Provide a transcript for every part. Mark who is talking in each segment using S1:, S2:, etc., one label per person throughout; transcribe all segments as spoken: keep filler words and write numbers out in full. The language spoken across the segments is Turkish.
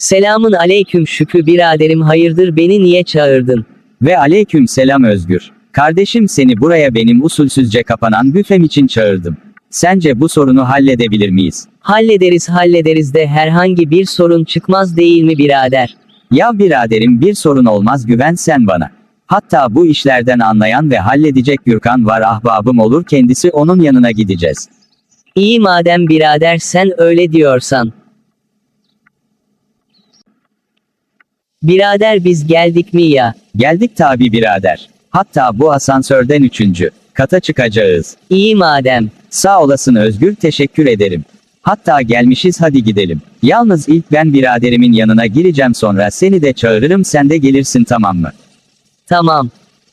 S1: Selamın aleyküm Şükrü biraderim, hayırdır, beni niye çağırdın?
S2: Ve aleyküm selam Özgür. Kardeşim, seni buraya benim usulsüzce kapanan büfem için çağırdım. Sence bu sorunu halledebilir miyiz?
S1: Hallederiz hallederiz de herhangi bir sorun çıkmaz değil mi birader?
S2: Ya biraderim, bir sorun olmaz, güven sen bana. Hatta bu işlerden anlayan ve halledecek Gürkan var, ahbabım olur kendisi, onun yanına gideceğiz.
S1: İyi madem birader, sen öyle diyorsan. Birader biz geldik mi ya?
S2: Geldik tabi birader. Hatta bu asansörden üçüncü kata çıkacağız.
S1: İyi madem.
S2: Sağ olasın Özgür, teşekkür ederim. Hatta gelmişiz, hadi gidelim. Yalnız ilk ben biraderimin yanına gireceğim, sonra seni de çağırırım, sen de gelirsin, tamam mı?
S1: Tamam.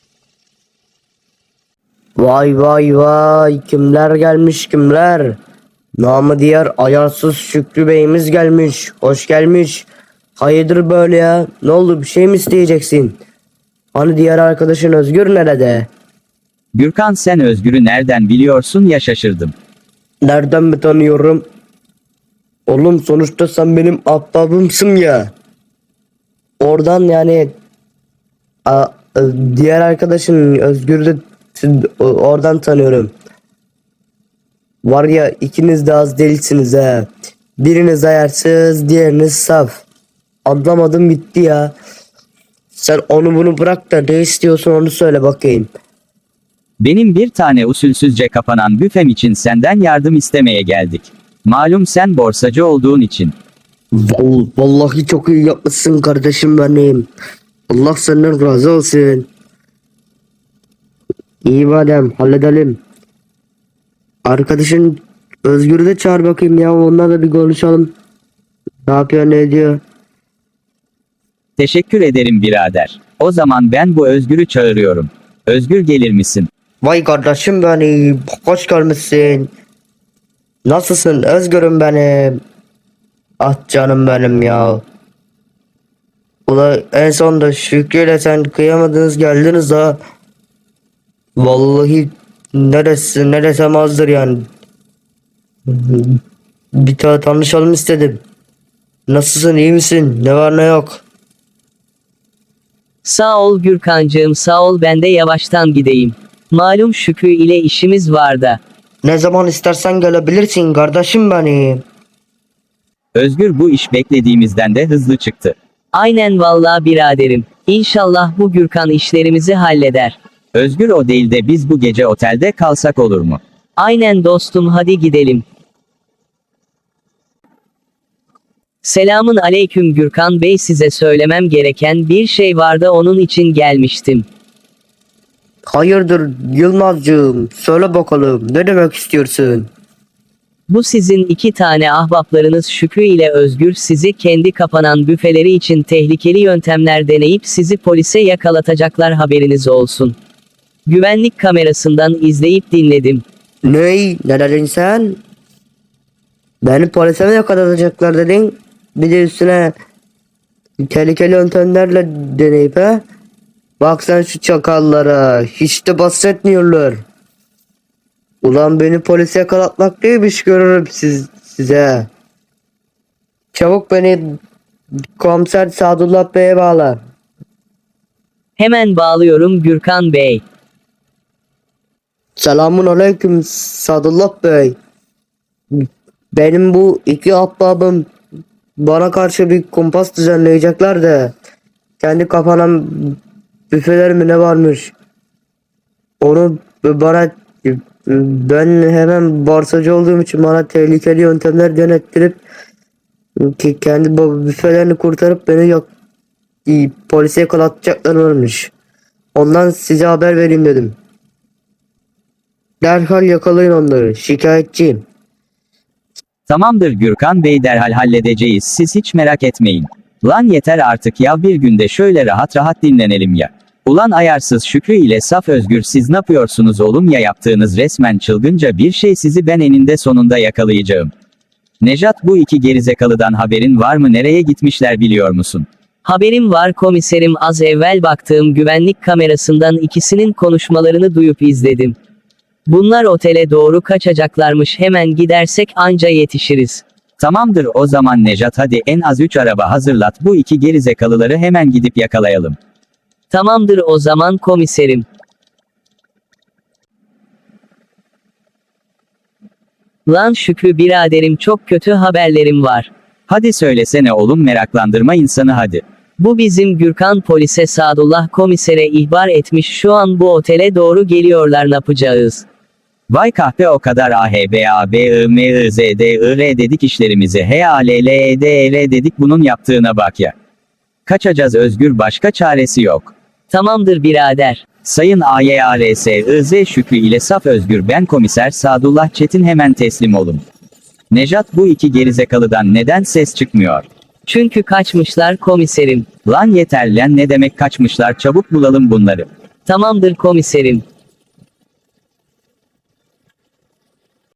S3: Vay vay vay, kimler gelmiş kimler? Namı diğer ayarsız Şükrü Bey'imiz gelmiş. Hoş gelmiş. Hayırdır böyle ya? Ne oldu, bir şey mi isteyeceksin? Hani diğer arkadaşın Özgür nerede?
S2: Gürkan, sen Özgür'ü nereden biliyorsun ya, şaşırdım.
S3: Nereden mi tanıyorum? Oğlum sonuçta sen benim ahbabımsın ya. Oradan yani a, a, diğer arkadaşın Özgür'ü de o- oradan tanıyorum. Var ya, ikiniz de az değilsiniz ha. Biriniz ayarsız, diğeriniz saf. Anlamadım bitti ya. Sen onu bunu bırak da ne istiyorsun onu söyle bakayım.
S2: Benim bir tane usulsüzce kapanan büfem için senden yardım istemeye geldik. Malum sen borsacı olduğun için.
S3: Val- Vallahi çok iyi yapmışsın kardeşim benim. Allah senden razı olsun. İyi madem, halledelim. Arkadaşın Özgür'ü de çağır bakayım ya, onunla da bir konuşalım. Ne yapıyor, ne ediyor?
S2: Teşekkür ederim birader. O zaman ben bu Özgür'ü çağırıyorum. Özgür, gelir misin?
S3: Vay kardeşim benim, hoş gelmişsin. Nasılsın Özgür'üm benim? Ah canım benim ya. Ula en son da Şükrü'yle sen kıyamadınız geldiniz ha. Vallahi neresi ne desem azdır yani. Bir daha tanışalım istedim. Nasılsın, iyi misin? Ne var ne yok?
S1: Sağ ol Gürkancığım, sağ ol, ben de yavaştan gideyim. Malum Şükrü ile işimiz var da.
S3: Ne zaman istersen gelebilirsin kardeşim benim.
S2: Özgür, bu iş beklediğimizden de hızlı çıktı.
S1: Aynen vallahi biraderim. İnşallah bu Gürkan işlerimizi halleder.
S2: Özgür, o değil de biz bu gece otelde kalsak olur mu?
S1: Aynen dostum, hadi gidelim. Selamın aleyküm Gürkan Bey, size söylemem gereken bir şey vardı, onun için gelmiştim.
S3: Hayırdır Yılmazcığım, söyle bakalım ne demek istiyorsun?
S1: Bu sizin iki tane ahbaplarınız Şükrü ile Özgür sizi kendi kapanan büfeleri için tehlikeli yöntemler deneyip sizi polise yakalatacaklar, haberiniz olsun. Güvenlik kamerasından izleyip dinledim.
S3: Ney? Ne dedin sen? Beni polise mi yakalatacaklar dedin? Bir de üstüne tehlikeli yöntemlerle deneyip he? Bak sen şu çakallara, hiç de bahsetmiyorlar. Ulan beni polise yakalatmak neymiş görürüm siz, size. Çabuk beni komiser Sadullah Bey'e bağla.
S1: Hemen bağlıyorum Gürkan Bey.
S3: Selamun aleyküm Sadullah Bey. Benim bu iki ahbabım bana karşı bir kumpas düzenleyecekler de kendi kafanan büfeler mi ne varmış, onu bana, ben hemen borsacı olduğum için bana tehlikeli yöntemler denettirip ki kendi bu büfelerini kurtarıp beni yok polise yakalatacaklar varmış. Ondan size haber vereyim dedim. Derhal yakalayın onları, şikayetçiyim.
S2: Tamamdır Gürkan Bey, derhal halledeceğiz, siz hiç merak etmeyin. Lan yeter artık ya, bir günde şöyle rahat rahat dinlenelim ya. Ulan ayarsız Şükrü ile saf Özgür, siz ne yapıyorsunuz oğlum ya, yaptığınız resmen çılgınca bir şey, sizi ben eninde sonunda yakalayacağım. Nejat, bu iki gerizekalıdan haberin var mı, nereye gitmişler biliyor musun?
S1: Haberim var komiserim, az evvel baktığım güvenlik kamerasından ikisinin konuşmalarını duyup izledim. Bunlar otele doğru kaçacaklarmış, hemen gidersek anca yetişiriz.
S2: Tamamdır o zaman Nejat, hadi en az üç araba hazırlat, bu iki gerizekalıları hemen gidip yakalayalım.
S1: Tamamdır o zaman komiserim. Lan Şükrü biraderim, çok kötü haberlerim var.
S2: Hadi söylesene oğlum, meraklandırma insanı hadi.
S1: Bu bizim Gürkan polise Sadullah komisere ihbar etmiş, şu an bu otele doğru geliyorlar, ne yapacağız?
S2: Vay kahpe, o kadar A H B A B I M I Z D I R dedik işlerimizi, H A L L E D E L dedik, bunun yaptığına bak ya. Kaçacağız Özgür, başka çaresi yok.
S1: Tamamdır birader.
S2: Sayın A Y A R S I Z Şükrü ile Saf Özgür, ben komiser Sadullah Çetin, hemen teslim olun. Nejat, bu iki gerizekalıdan neden ses çıkmıyor?
S1: Çünkü kaçmışlar komiserim.
S2: Lan yeter lan, ne demek kaçmışlar, çabuk bulalım bunları.
S1: Tamamdır komiserim.